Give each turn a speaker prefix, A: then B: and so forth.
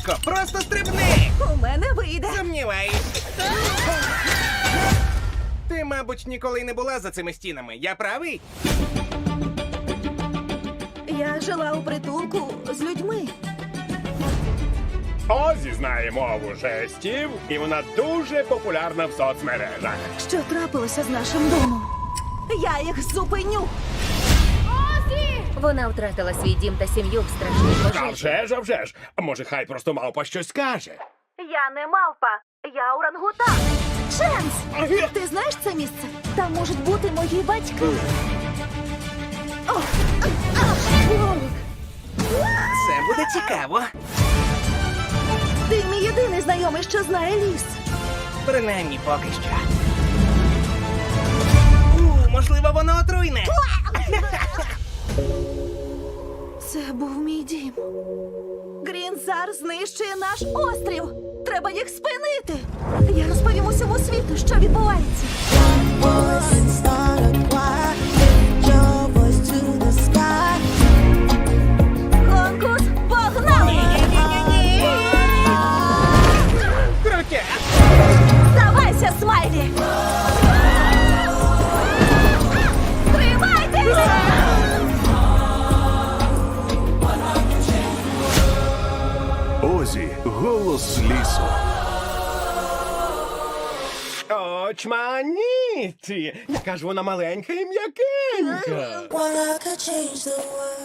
A: Швидко, просто стрибни!
B: У мене вийде.
A: Сумніваюсь. Ти, мабуть, ніколи не була за цими стінами. Я правий?
B: Я жила у притулку з людьми.
C: Озі знає мову жестів, і вона дуже популярна в соцмережах.
B: Що трапилося з нашим домом? Я їх зупиню.
D: Вона втратила свій дім та сім'ю в страшній
C: А
D: пожежі.
C: вже ж. А може, хай просто мавпа щось скаже.
B: Я не мавпа, я орангутан. Ченс! Ти знаєш це місце? Там можуть бути мої батьки. О,
A: Це буде цікаво.
B: Ти мій єдиний знайомий, що знає ліс.
A: Принаймні поки що. Можливо, воно отруйне.
B: Це був мій дім. Грінзар знищує наш острів. Треба їх спинити. Я розповім усьому світу, що відбувається.
E: Voice and start a choir. Lift your voice to the sky.
B: Конкурс погнали!
A: Крутя!
B: Здавайся, Смайлі! Тримайтеся!
F: Озі, голос лісу.
C: Очманіті! Яка ж вона маленька і м'якенька.
E: Well, I could change the world.